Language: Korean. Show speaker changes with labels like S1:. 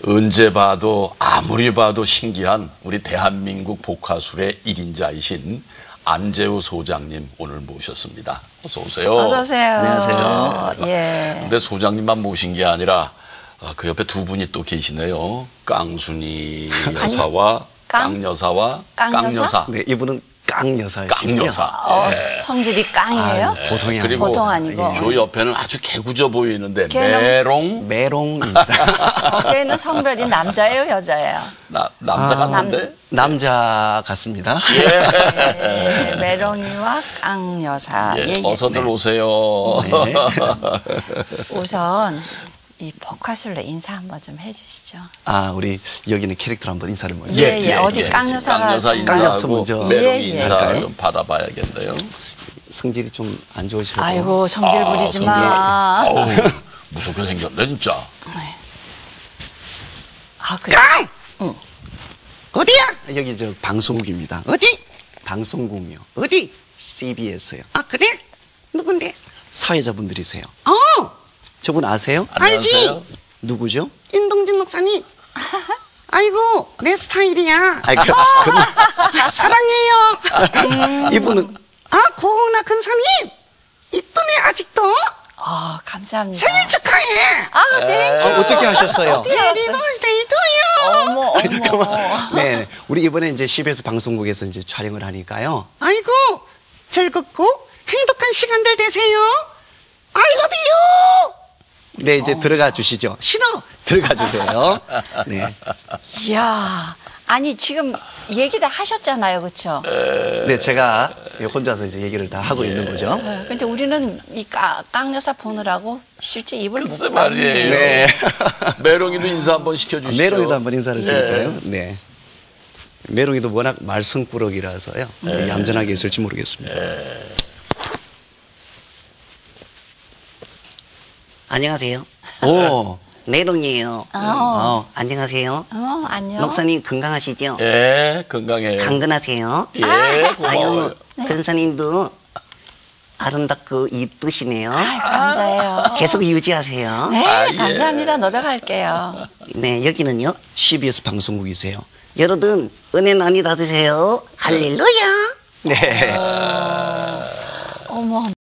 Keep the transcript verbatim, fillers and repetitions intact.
S1: 언제 봐도 아무리 봐도 신기한 우리 대한민국 복화술의 일인자이신 안재우 소장님 오늘 모셨습니다. 어서 오세요.
S2: 어서 오세요.
S3: 안녕하세요.
S2: 예.
S1: 근데 소장님만 모신 게 아니라 그 옆에 두 분이 또 계시네요. 깡순이 여사와
S2: 깡?
S1: 깡여사와
S2: 깡여사?
S1: 깡여사.
S3: 네, 이분은 깡여사예요.
S1: 깡여사.
S2: 어,
S1: 예.
S2: 성질이 깡이에요?
S3: 아, 보통이
S1: 그리고
S2: 보통 아니고.
S1: 저 옆에는 아주 개구져 보이는데
S2: 걔는-
S1: 메롱
S3: 메롱입니다.
S2: 걔는 성별이 남자예요, 여자예요?
S1: 나, 남자
S3: 아,
S1: 같은데?
S3: 남자 같습니다.
S2: 예, 메롱이와 깡여사.
S1: 예,
S2: 예, 예.
S1: 어서들 오세요.
S3: 네.
S2: 우선 이 복화술로 인사 한번 좀 해주시죠.
S3: 아, 우리 여기는 캐릭터로 한번 인사를 먼저.
S2: 예, 예. 어디 깡여사가
S1: 깡여사
S2: 좀-
S1: 인사하고
S3: 깡여사 먼저.
S1: 메롱
S2: 예, 예.
S1: 인사
S3: 할까요?
S1: 좀 받아봐야겠네요.
S3: 성질이 좀 안 좋으셔서.
S2: 아이고, 성질
S1: 아,
S2: 부리지
S1: 성질.
S2: 마.
S1: 어우, 무섭게 생겼네 진짜.
S2: 아, 그래.
S3: 깡!
S2: 응.
S3: 어디야? 여기 저 방송국입니다. 어디? 방송국이요. 어디? 씨비에스요. 아, 그래? 누군데? 사회자분들이세요. 어! 저분 아세요?
S1: 안녕하세요.
S3: 알지? 누구죠? 인동진 목사님. 아이고, 내 스타일이야. 아이, 그, 그, 사랑해요. 이분은, 아, 고은아 근사님. 이쁘네, 아직도.
S2: 아, 감사합니다.
S3: 생일 축하해.
S2: 아, 네.
S3: 어, 어떻게 하셨어요?
S2: 어떻게
S3: 버스데이 투유.
S2: 어머, 어머.
S3: 네, 우리 이번에 이제 씨비에스 방송국에서 이제 촬영을 하니까요. 아이고, 즐겁고 행복한 시간들 되세요. I love you. 네, 이제 들어가 주시죠. 싫어. 들어가 주세요. 네.
S2: 이야. 아니, 지금 얘기 다 하셨잖아요. 그쵸?
S3: 네, 제가 혼자서 이제 얘기를 다 하고 있는 거죠.
S2: 네, 근데 우리는 이 깡, 깡여사 보느라고 실제 입을 못
S1: 글쎄 말이에요.
S3: 네.
S1: 메롱이도 인사 한번 시켜주시죠.
S3: 메롱이도 한번 인사를
S1: 예.
S3: 드릴까요? 네. 메롱이도 워낙 말썽꾸러기라서요.
S1: 네.
S3: 얌전하게 있을지 모르겠습니다.
S4: 안녕하세요.
S3: 오,
S4: 내롱이에요.
S2: 어.
S3: 어,
S4: 안녕하세요.
S2: 어, 안녕.
S4: 목사님 건강하시죠?
S1: 예, 건강해요.
S4: 강건하세요.
S1: 예, 고마워요.
S4: 아유, 근사님도 아름답고 이쁘시네요.
S2: 아이, 감사해요.
S4: 계속 유지하세요.
S2: 네,
S1: 아, 예.
S2: 감사합니다. 노력할게요.
S4: 네, 여기는요.
S3: 씨비에스 방송국이세요.
S4: 여러분, 은혜 많이 받으세요. 할렐루야.
S3: 네.
S2: 어머.